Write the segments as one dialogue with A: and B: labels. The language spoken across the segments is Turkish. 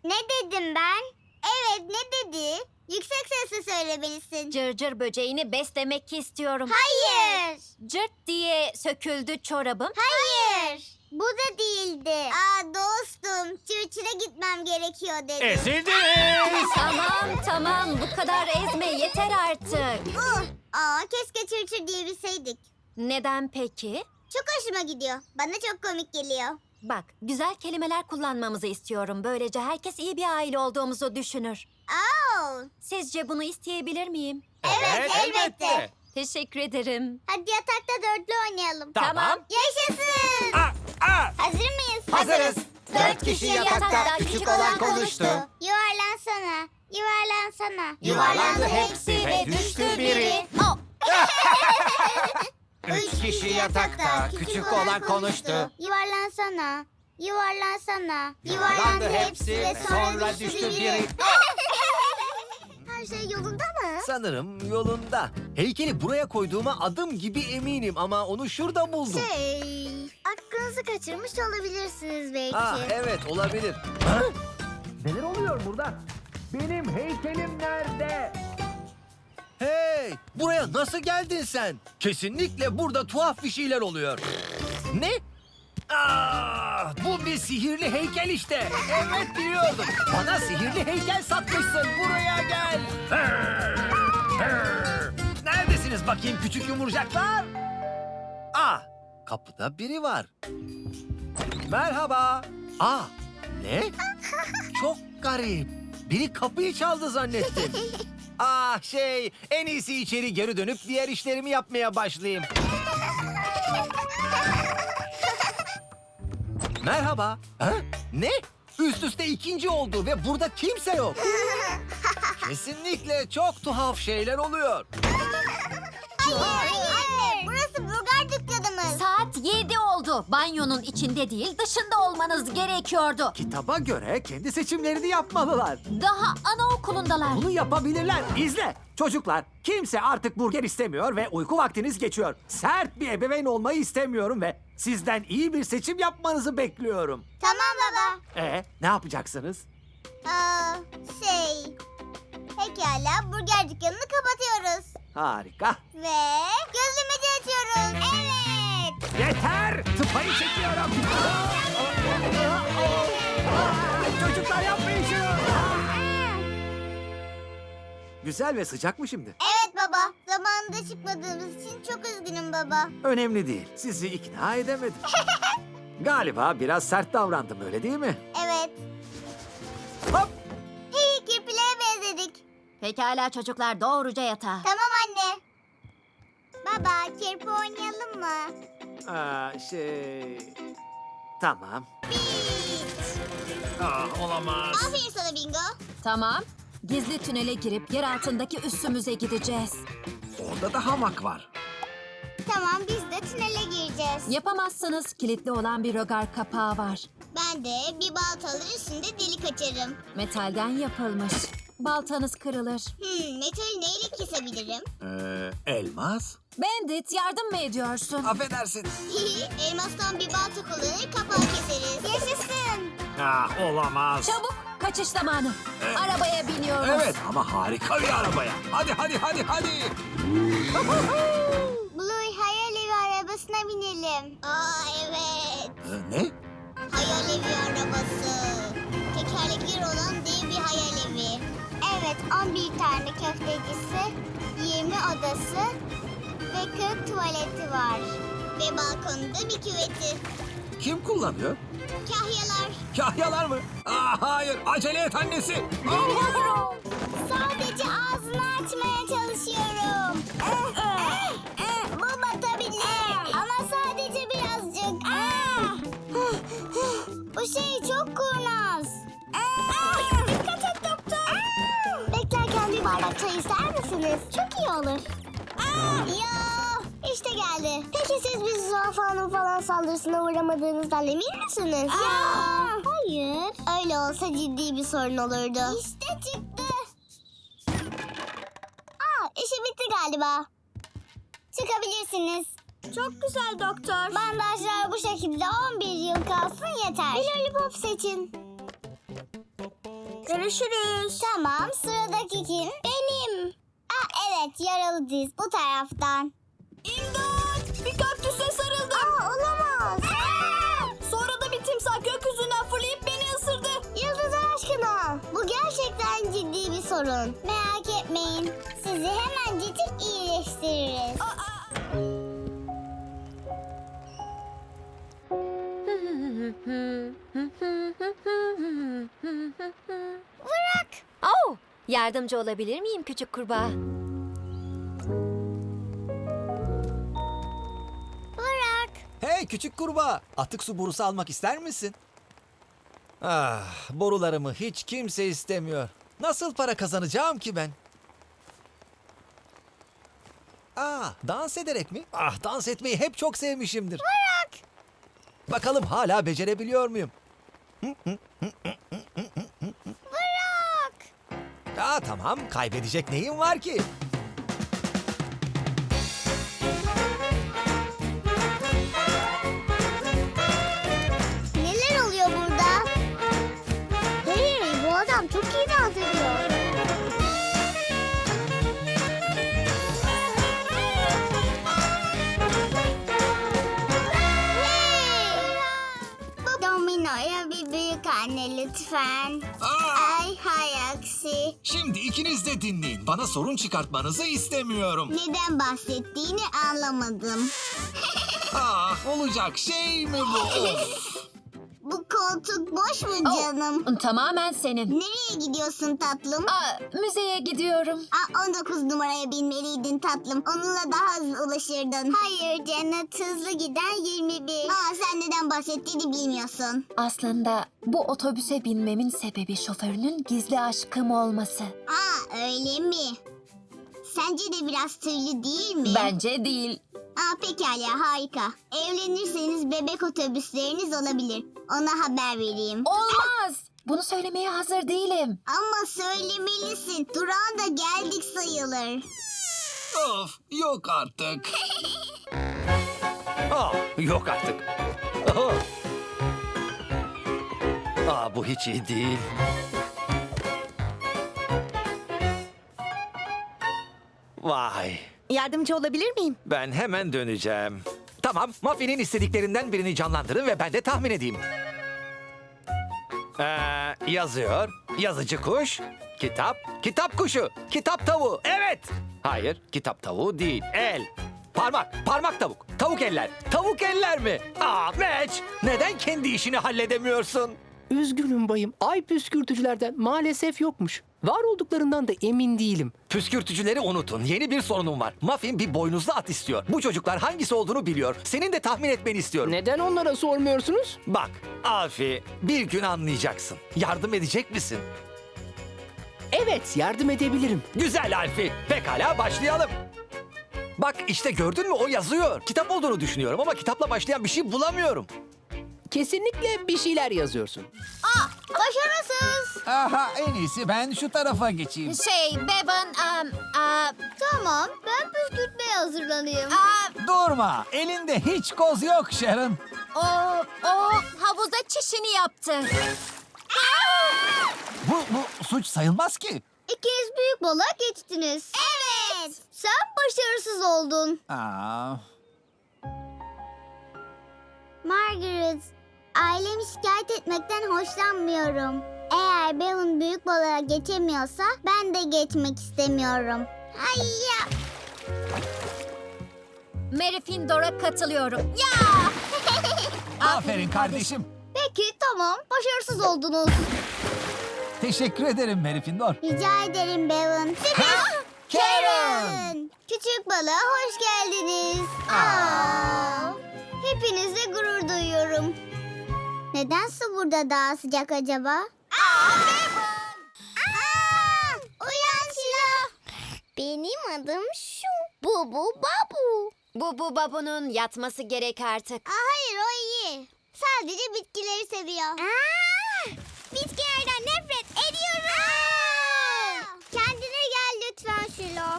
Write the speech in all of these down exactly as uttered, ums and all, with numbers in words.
A: Ne dedim ben? Evet, ne dedi? Yüksek sesle söylemelisin.
B: Cırcır böceğini beslemek istiyorum.
A: Hayır.
B: Cırt diye söküldü çorabım.
A: Hayır. Bu da değildi. Aa dostum, çırçıra gitmem gerekiyor dedi.
C: Ezildiniz.
B: Tamam tamam, bu kadar ezme yeter artık.
A: Uh, aa keşke çırçır diyebilseydik.
B: Neden peki?
A: Çok hoşuma gidiyor. Bana çok komik geliyor.
B: Bak, güzel kelimeler kullanmamızı istiyorum. Böylece herkes iyi bir aile olduğumuzu düşünür.
A: Aa,
B: Sizce bunu isteyebilir miyim?
A: evet, elbette.
B: Teşekkür ederim.
A: Hadi yatakta dörtlü oynayalım.
C: Tamam.
A: Yaşasın.
C: Aa, aa.
A: Hazır mıyız?
C: Hazırız. Dört kişi yatakta, küçük olan konuştu.
A: Yuvarlansana, yuvarlansana.
C: Yuvarlandı hepsi ve düştü biri.
B: Oh,
C: Üç kişi yatakta, küçük olan konuştu.
A: Yuvarlansana, yuvarlansana.
C: Yuvarlandı hepsi ve sonra düştü biri.
A: Her şey yolunda mı?
D: Sanırım yolunda. Heykeli buraya koyduğuma adım gibi eminim ama onu şurada buldum.
A: Şey, aklınızı kaçırmış olabilirsiniz belki.
D: Ah evet olabilir. Ha? Neler oluyor burada? Benim heykelim nerede? Hey! Buraya nasıl geldin sen? Kesinlikle burada tuhaf bir şeyler oluyor. Ne? Aa, bu bir sihirli heykel işte. Evet biliyordum. Bana sihirli heykel satmışsın. Buraya gel. Neredesiniz bakayım küçük yumurcaklar? Ah, kapıda biri var. Merhaba. Aa, ne? Çok garip. Biri kapıyı çaldı zannettim. Ah şey, en iyisi içeri geri dönüp diğer işlerimi yapmaya başlayayım. Merhaba. Ha? Ne? Üst üste ikinci oldu ve burada kimse yok. Kesinlikle çok tuhaf şeyler oluyor.
A: Hayır, anne, burası burger dükkanımız.
B: saat yedi oldu. Banyonun içinde değil, dışında olmanız gerekiyordu.
E: Kitaba göre kendi seçimlerini yapmalılar.
B: Daha anaokulundalar.
E: Bunu yapabilirler. İzle. Çocuklar, kimse artık burger istemiyor ve uyku vaktiniz geçiyor. Sert bir ebeveyn olmayı istemiyorum ve sizden iyi bir seçim yapmanızı bekliyorum.
A: Tamam baba.
E: E, ne yapacaksınız?
A: Aa, şey, pekala burger dükkanını kapatıyoruz.
E: Harika.
A: Ve gözlemeci açıyoruz. Evet.
E: Yeter! Tıpayı çekiyorum. Çocuklar yapmayın şunu. Güzel ve sıcak mı şimdi?
A: Evet baba. Zamanında çıkmadığımız için çok üzgünüm baba.
E: Önemli değil. Sizi ikna edemedim. Galiba biraz sert davrandım öyle değil mi?
A: Evet.
E: Hop!
A: Hey, kirpilere benzedik.
B: Pekala çocuklar, doğruca yatağa.
A: Tamam anne. Baba, kirpi oynayalım mı?
E: Aa, şey... Tamam.
C: Ah, olamaz.
A: Aferin sana Bingo.
B: Tamam. Gizli tünele girip yer altındaki üssümüze gideceğiz.
E: Orada da hamak var.
A: Tamam, biz de tünele gireceğiz.
B: Yapamazsınız. Kilitli olan bir rögar kapağı var.
A: Ben de bir baltalı üstünde delik açarım.
B: Metalden yapılmış. Baltanız kırılır.
A: Hmm, metali neyle kesebilirim?
E: Ee, elmas?
B: Bandit, yardım mı ediyorsun?
E: Affedersin.
A: Elmastan bir balta kullanır, kapağı keseriz. Yaşasın.
C: Ah, olamaz.
B: Çabuk, kaçış zamanı. Arabaya biniyoruz.
E: Evet ama harika bir arabaya. Hadi hadi hadi hadi.
A: Blue, hayal evi arabasına binelim. Aa evet.
E: Ee, ne?
A: Hayal evi arabası. Tekerlekleri olan dev bir hayal evi. Evet, on bir tane köftecisi, yirmi odası ve kırk tuvaleti var. Ve balkonunda bir küveti.
E: Kim kullanıyor?
A: Kahyalar.
E: Kahyalar mı? Aa, hayır acele et annesi.
B: Geliyorum.
A: Sadece ağzını açmaya çalışıyorum. Eh, eh, eh, Bu batabilir ama sadece birazcık. Ah! Bu şey çok kurnaz. Ah! Dikkat et doktor. Beklerken bir bardak çay ister misiniz? Çok iyi olur. Ya işte geldi. Peki siz bir zürafanın falan saldırısına uğramadığınızdan emin misiniz? Ya hayır. Öyle olsa ciddi bir sorun olurdu. İşte çıktı. Aa, işi bitti galiba. Çıkabilirsiniz. Çok güzel doktor. Bandajlar bu şekilde on bir yıl kalsın yeter. Bir lollipop seçin. Görüşürüz. Tamam, sıradaki kim? Benim. Aa, evet, yaralı diz bu taraftan.
F: İmdat! Bir kaktüse sarıldım.
A: Aa, olamaz.
F: Sonra da bir timsah gökyüzünden fırlayıp beni ısırdı.
A: Yıldız aşkına. Bu gerçekten ciddi bir sorun. Merak etmeyin. Sizi hemencecik iyileştiririz. Bırak.
B: Oh, yardımcı olabilir miyim küçük kurbağa?
A: Bırak.
C: Hey küçük kurbağa, atık su borusu almak ister misin? Ah, borularımı hiç kimse istemiyor. Nasıl para kazanacağım ki ben? Ah, dans ederek mi? Ah, dans etmeyi hep çok sevmişimdir.
A: Bırak.
C: Bakalım hala becerebiliyor muyum?
A: Bırak.
C: Aa, tamam, kaybedecek neyim var ki?
A: Neler oluyor burada? Hey, bu adam çok iyi dans ediyor. Hey! Domino'ya bir büyük anne lütfen. Ay hay aksi.
C: Şimdi ikiniz de dinleyin. Bana sorun çıkartmanızı istemiyorum.
A: Neden bahsettiğini anlamadım.
C: Ah, olacak şey mi bu? Of!
A: Bu koltuk boş mu canım?
B: Tamamen senin.
A: Nereye gidiyorsun tatlım?
B: Aa, müzeye gidiyorum.
A: Aa, on dokuz numaraya binmeliydin tatlım. Onunla daha hızlı ulaşırdın. Hayır Cennet, hızlı giden yirmi bir. Aa, sen neden bahsettiğini bilmiyorsun.
B: Aslında bu otobüse binmemin sebebi şoförünün gizli aşkım olması.
A: Aa, öyle mi? Sence de biraz tüylü değil mi?
B: Bence değil.
A: Aa, pekala, harika. Evlenirseniz bebek otobüsleriniz olabilir. Ona haber vereyim.
B: Olmaz. Bunu söylemeye hazır değilim.
A: Ama söylemelisin. Durağına da geldik sayılır.
C: Of, yok artık. Ah, yok artık. Aha. Aa, bu hiç iyi değil. Vay,
F: Yardımcı olabilir miyim?
C: ben hemen döneceğim. Tamam, Muffin'in istediklerinden birini canlandırın ve ben de tahmin edeyim. Ee, yazıyor, yazıcı kuş, kitap, kitap kuşu, kitap tavuğu. Evet. Hayır, kitap tavuğu değil, el. Parmak, parmak tavuk, tavuk eller, tavuk eller mi? Aa, Meç, neden kendi işini halledemiyorsun?
G: Üzgünüm bayım. Ay püskürtücülerden maalesef yokmuş. Var olduklarından da emin değilim.
C: Püskürtücüleri unutun. Yeni bir sorunum var. Muffin bir boynuzlu at istiyor. Bu çocuklar hangisi olduğunu biliyor. Senin de tahmin etmeni istiyorum.
G: Neden onlara sormuyorsunuz?
C: Bak, Alfi, bir gün anlayacaksın. Yardım edecek misin?
G: Evet, yardım edebilirim.
C: Güzel Alfi. Pekala başlayalım. Bak işte gördün mü o yazıyor. Kitap olduğunu düşünüyorum ama kitapla başlayan bir şey bulamıyorum.
G: Kesinlikle bir şeyler yazıyorsun.
A: Aa, başarısız.
H: Aha, en iyisi ben şu tarafa geçeyim.
B: Şey, Bevan, um, aa,
A: Tamam, ben püskürtmeye hazırlanayım.
B: aa,
H: Durma, elinde hiç koz yok Sharon.
B: o, o havuzda çişini yaptı.
H: Bu, bu suç sayılmaz ki.
A: İkiniz büyük balığa geçtiniz. Evet. Sen başarısız oldun.
H: Aa,
A: Margaret, ailemi şikayet etmekten hoşlanmıyorum. Eğer Bevan büyük balığa geçemiyorsa ben de geçmek istemiyorum. Hayya.
B: Mary Findor'a katılıyorum. Ya!
H: aferin kardeşim.
A: Peki tamam, başarısız oldunuz.
H: Teşekkür ederim Mary Findor.
A: Rica ederim Bevan. Sinan! Karen! Küçük balığa hoş geldiniz. Aa. Hepinizle gurur duyuyorum. Neden su burada daha sıcak acaba? Aa, Bevan! Aa, uyan Şila. Benim adım şu. Bubu Babu.
B: Bu bu babunun yatması gerek artık.
A: Aa, hayır o iyi. Sadece bitkileri seviyor. Aa, bitkilerden nefret ediyorum. Aa, kendine gel lütfen Şilo.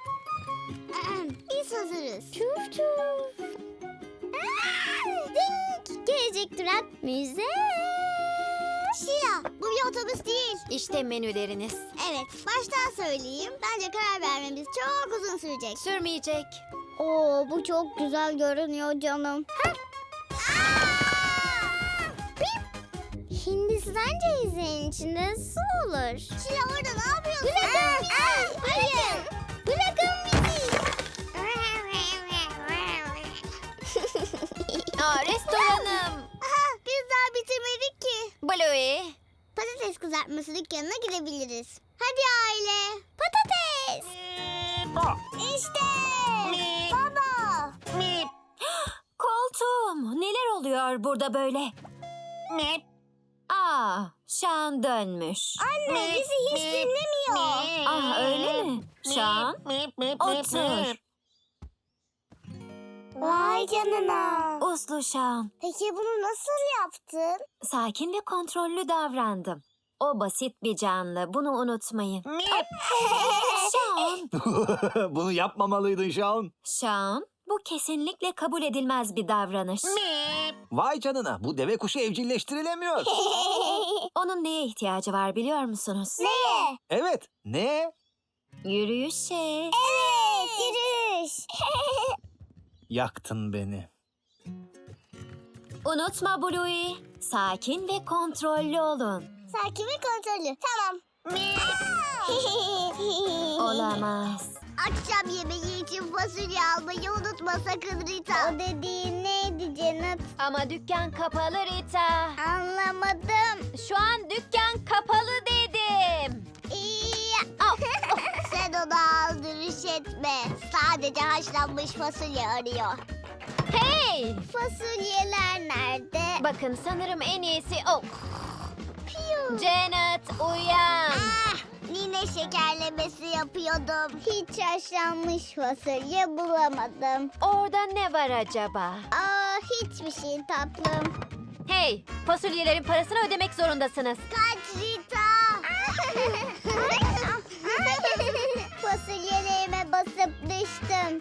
A: Biz hazırız. Çuf çuf. Aa, ding. Gelecek durak müze. Şila, bu bir otobüs değil.
B: İşte menüleriniz.
A: Evet, baştan söyleyeyim. Bence karar vermemiz çok uzun sürecek.
B: Sürmeyecek.
A: Oo, bu çok güzel görünüyor canım. Hindistan cevizinin içinde su olur. Şila orada ne yapıyorsun? Bırakın bizi. Hayır. Bırakın bizi.
B: Aa, restoranım.
A: Aha, biz daha bitirmedik ki.
B: Bluey.
A: Patates kızartması dükkanına gidebiliriz. Hadi aile. Patates. İşte. Baba.
B: Koltuğum. Neler oluyor burada böyle? Aa, Şan dönmüş.
A: Anne bizi hiç dinlemiyor.
B: Ah, öyle mi? Şan, otur.
A: Vay canına.
B: Uslu Şan.
A: Peki bunu nasıl yaptın?
B: Sakin ve kontrollü davrandım. O basit bir canlı. Bunu unutmayın. Şan.
C: Bunu yapmamalıydın Şaun.
B: Şan, bu kesinlikle kabul edilmez bir davranış.
C: Vay canına, bu deve kuşu evcilleştirilemiyor.
B: Onun neye ihtiyacı var biliyor musunuz?
A: Neye?
C: Evet, ne?
B: Yürüyüşe.
A: Evet, yürüyüş.
C: Yaktın beni.
B: Unutma Bluey. Sakin ve kontrollü olun.
A: Sakin ve kontrollü. Tamam.
B: Olamaz.
A: Akşam yemeği için fasulye almayı unutma sakın Rita. O dediğin neydi Cennet?
B: Ama dükkan kapalı Rita.
A: Anlamadım.
B: Şu an dükkan kapalı dedim.
A: İyi.
B: Au.
A: Sen onu aldırış etme. Sadece haşlanmış fasulye arıyor.
B: Hey!
A: Fasulyeler nerede?
B: Bakın sanırım en iyisi... Oh.
A: Piyu.
B: Janet uyan.
A: Ah, nine şekerlemesi yapıyordum. Hiç haşlanmış fasulye bulamadım.
B: Orada ne var acaba?
A: Aa, hiçbir şey tatlım.
B: Hey! Fasulyelerin parasını ödemek zorundasınız.
A: Kaç Rita. Fasulyelerime basıp düştüm.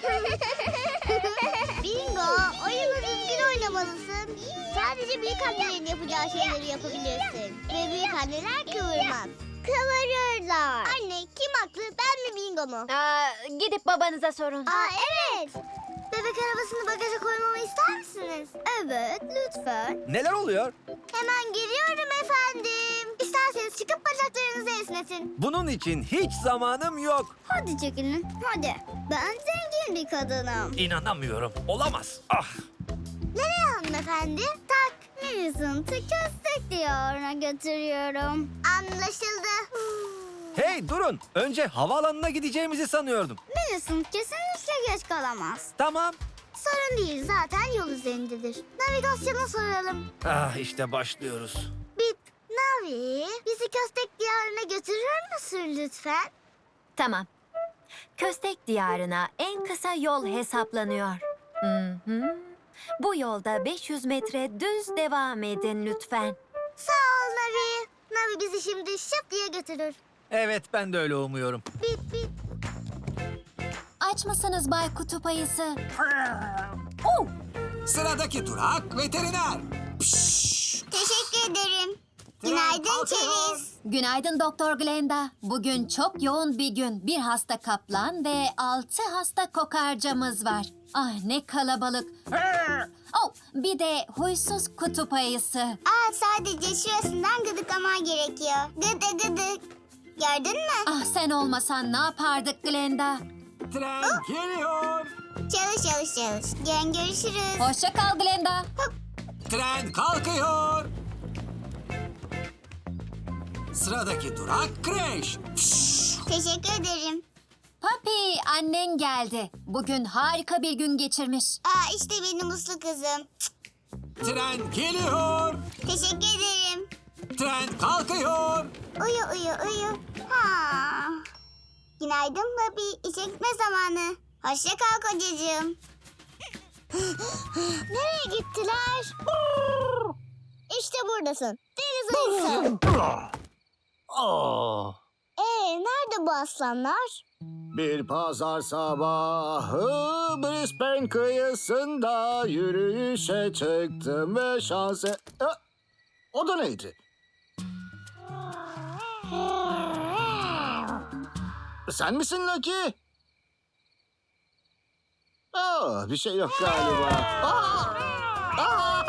A: Bingo, oyunu düzgün oynamalısın. Sadece büyük annelerin yapacağı şeyleri yapabilirsin. Ve büyük anneler kıvırmaz. Kıvırırlar. Anne, kim haklı, ben mi Bingo mu?
B: Aa, gidip babanıza sorun.
A: Aa, evet. Bebek arabasını bagaja koymamı ister misiniz? Evet, lütfen.
C: Neler oluyor?
A: Hemen geliyorum efendim. İsterseniz çıkıp bacaklarınızı esnetin.
C: Bunun için hiç zamanım yok.
A: Hadi çekilin, hadi. Ben zengin bir kadınım.
C: İnanamıyorum. Olamaz. Ah.
A: Nereye hanımefendi? Tak. Millicent'ı köstek diyarına götürüyorum. Anlaşıldı.
C: Hey durun. Önce havaalanına gideceğimizi sanıyordum.
A: Millicent kesinlikle geç kalamaz.
C: Tamam.
A: Sorun değil, zaten yol üzerindedir. Navigasyona soralım.
C: Ah işte başlıyoruz.
A: Bip, Navi, bizi köstek diyarına götürür müsün lütfen?
B: Tamam. Köstek diyarına en kısa yol hesaplanıyor. Hı hı. Bu yolda beş yüz metre düz devam edin lütfen.
A: Sağ ol Navi. Navi bizi şimdi şıp diye götürür.
C: Evet ben de öyle umuyorum.
A: Bip bip.
B: Aç mısınız Bay Kutup Ayısı? Oh!
H: Sıradaki durak veteriner.
A: Teşekkür ederim. Günaydın Çeriz.
B: Günaydın Doktor Glenda. Bugün çok yoğun bir gün. Bir hasta kaplan ve altı hasta kokarcamız var. Ah ne kalabalık. Oh, bir de huysuz kutup ayısı.
A: Aa, sadece şurasından gıdıklaman gerekiyor. Gıdı gıdı. Gördün mü?
B: Ah sen olmasan ne yapardık Glenda?
H: Tren geliyor.
A: Çalış çalış çalış. Yarın görüşürüz.
B: Hoşça kal Glenda.
H: Tren kalkıyor. Sıradaki durak kreş.
A: Teşekkür ederim.
B: Papi annen geldi. Bugün harika bir gün geçirmiş.
A: Aa, işte benim uslu kızım.
H: Tren geliyor.
A: Teşekkür ederim.
H: Tren kalkıyor.
A: Uyu uyu uyu. Ha. Günaydın Papi. İşe gitme zamanı. Hoşça kal kocacığım. Nereye gittiler? İşte buradasın. Deniz ayısı.
C: Oh.
A: Ee, nerede bu aslanlar?
D: Bir pazar sabahı Brisbane kıyısında yürüyüşe çıktım ve şanse... E, o da neydi?
I: Sen misin Lucky? Aa, bir şey yok galiba. Aa! Aa!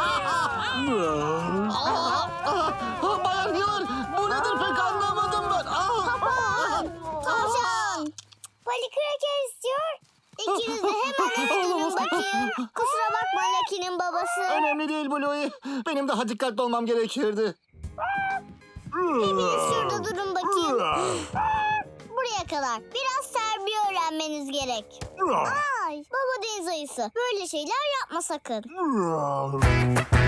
I: Aa! Aa! Bayan Yar, bu nedir pek anlamadım ben. Aa!
A: Tavşan. Poli kraker istiyor. İkiniz de hemen eve dönün bakayım. Kusura bakma Lucky'nin babası.
I: Önemli değil Bluey. Benim daha dikkatli olmam gerekirdi.
A: Hepiniz şurada durun bakayım. Buraya kadar. Biraz terbiye öğrenmeniz gerek. Ay, baba deniz ayısı. Böyle şeyler yapma sakın.